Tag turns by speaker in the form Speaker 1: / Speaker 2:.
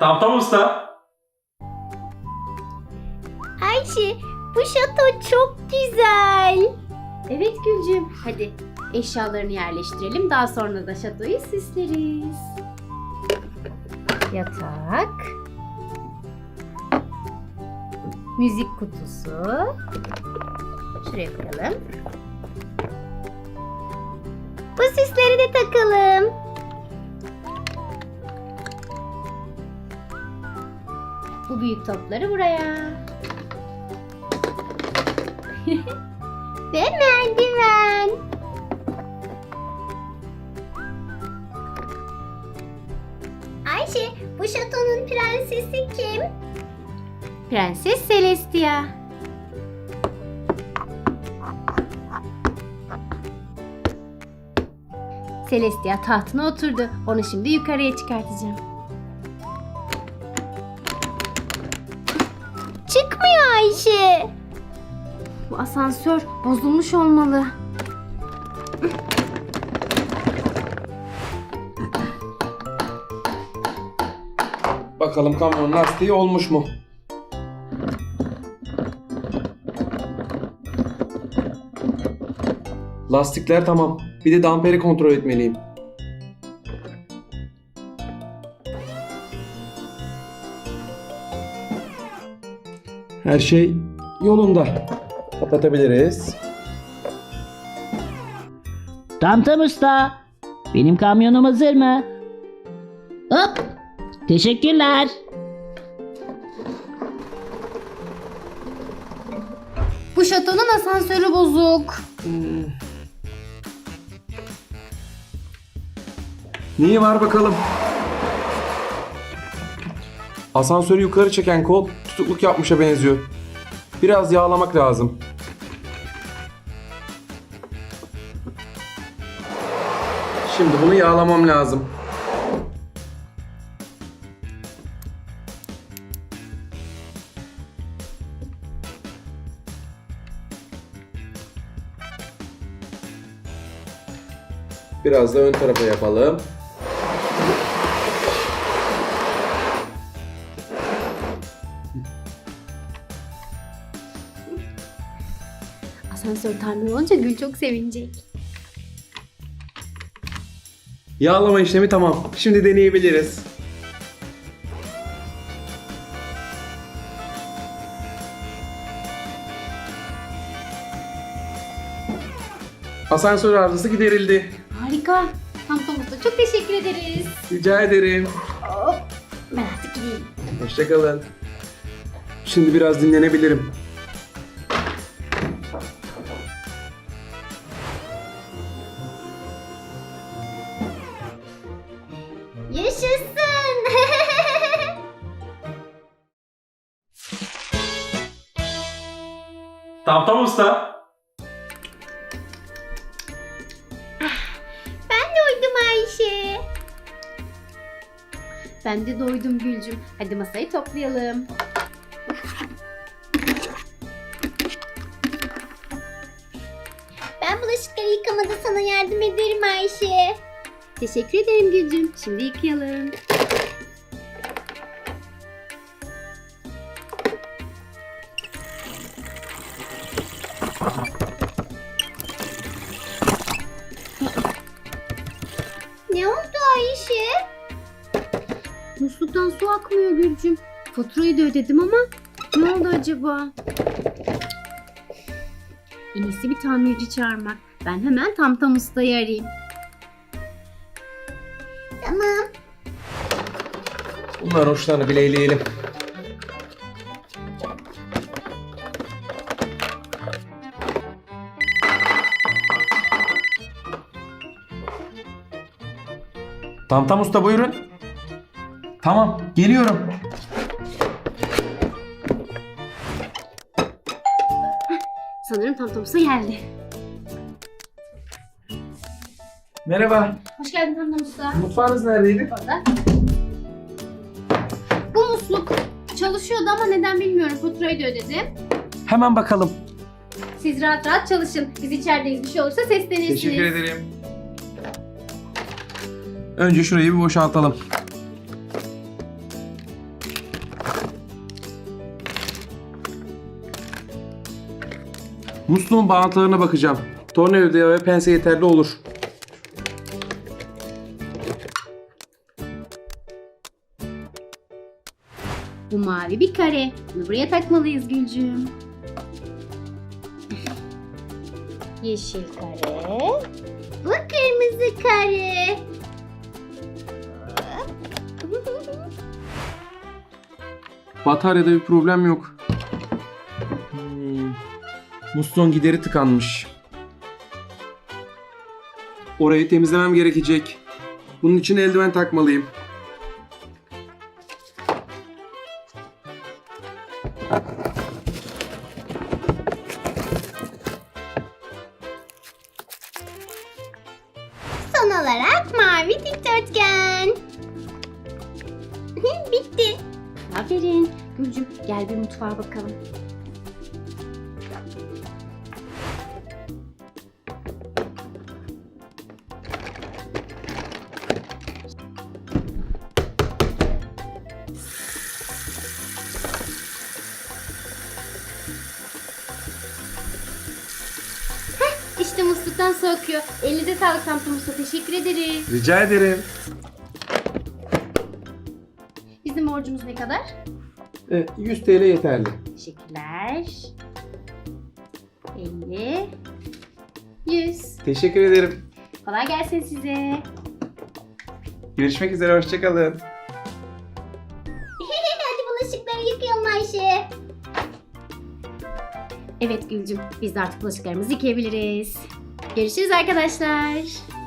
Speaker 1: Tamam usta.
Speaker 2: Ayşe, bu şato çok güzel.
Speaker 3: Evet Gülcüm, hadi eşyalarını yerleştirelim. Daha sonra da şatoyu süsleriz. Yatak. Müzik kutusu. Şuraya koyalım.
Speaker 2: Bu süsleri de takalım.
Speaker 3: Bu büyük topları buraya.
Speaker 2: Ve merdiven. Ayşe, bu şatonun prensesi kim?
Speaker 3: Prenses Celestia. Celestia tahtına oturdu. Onu şimdi yukarıya çıkartacağım.
Speaker 2: Çıkmıyor Ayşe.
Speaker 3: Bu asansör bozulmuş olmalı.
Speaker 1: Bakalım kamyonun lastiği olmuş mu? Lastikler tamam. Bir de damperi kontrol etmeliyim. Her şey yolunda. Kapatabiliriz.
Speaker 4: Tamtam usta. Benim kamyonum hazır mı? Hop. Teşekkürler.
Speaker 3: Bu şatonun asansörü bozuk.
Speaker 1: Neyi var bakalım? Asansörü yukarı çeken kol tutukluk yapmışa benziyor. Biraz yağlamak lazım. Şimdi bunu yağlamam lazım. Biraz da ön tarafa yapalım.
Speaker 3: Asansör tamir olunca Gül çok sevinecek.
Speaker 1: Yağlama işlemi tamam. Şimdi deneyebiliriz. Asansör arızası giderildi.
Speaker 3: Harika. Tamtam usta çok teşekkür ederiz.
Speaker 1: Rica ederim.
Speaker 3: Hop. Ben artık gideyim.
Speaker 1: Hoşçakalın. Şimdi biraz dinlenebilirim.
Speaker 2: Yaşasın.
Speaker 1: Tamam usta.
Speaker 2: Ben de uydum Ayşe.
Speaker 3: Ben de doydum Gülcüm. Hadi masayı toplayalım.
Speaker 2: Ben bulaşıkları yıkamada sana yardım ederim Ayşe.
Speaker 3: Teşekkür ederim Gülcüm. Şimdi yıkayalım.
Speaker 2: Ne oldu Ayşe?
Speaker 3: Musluktan su akmıyor Gülcüm. Faturayı da ödedim ama ne oldu acaba? En iyisi bir tamirci çağırmak. Ben hemen Tamtam ustayı arayayım.
Speaker 2: Tamam.
Speaker 1: Bunların uçlarını bileyleyelim. Tamam usta buyurun. Tamam geliyorum.
Speaker 3: Sanırım Tamtam usta geldi.
Speaker 1: Merhaba.
Speaker 3: Hoş geldin Tamtam usta.
Speaker 1: Mutfağınız neredeydi?
Speaker 3: Orada. Bu musluk çalışıyordu ama neden bilmiyorum. Faturayı da ödedim.
Speaker 1: Hemen bakalım.
Speaker 3: Siz rahat rahat çalışın. Biz içerideyiz. Bir şey olursa seslenirsiniz.
Speaker 1: Teşekkür ederim. Önce şurayı bir boşaltalım. Musluğun bağıntılarına bakacağım. Tornavida ve pense yeterli olur.
Speaker 3: Bu mavi bir kare. Bunu buraya takmalıyız Gülcüm. Yeşil kare.
Speaker 2: Bu kırmızı kare.
Speaker 1: Bataryada bir problem yok. Musluğun gideri tıkanmış. Orayı temizlemem gerekecek. Bunun için eldiven takmalıyım.
Speaker 2: Son olarak mavi dikdörtgen. Bitti.
Speaker 3: Aferin. Gülcüm gel bir mutfağa bakalım. İşte musluktan su akıyor. Elinize sağlık Tamtam Usta. Teşekkür ederiz.
Speaker 1: Rica ederim.
Speaker 3: Bizim borcumuz ne kadar?
Speaker 1: 100 TL yeterli.
Speaker 3: Teşekkürler. 50. 100.
Speaker 1: Teşekkür ederim.
Speaker 3: Kolay gelsin size.
Speaker 1: Görüşmek üzere, hoşçakalın.
Speaker 2: Hadi bulaşıkları yıkayalım Ayşe.
Speaker 3: Evet Gülcüm, biz de artık bulaşıklarımızı yıkayabiliriz. Görüşürüz arkadaşlar.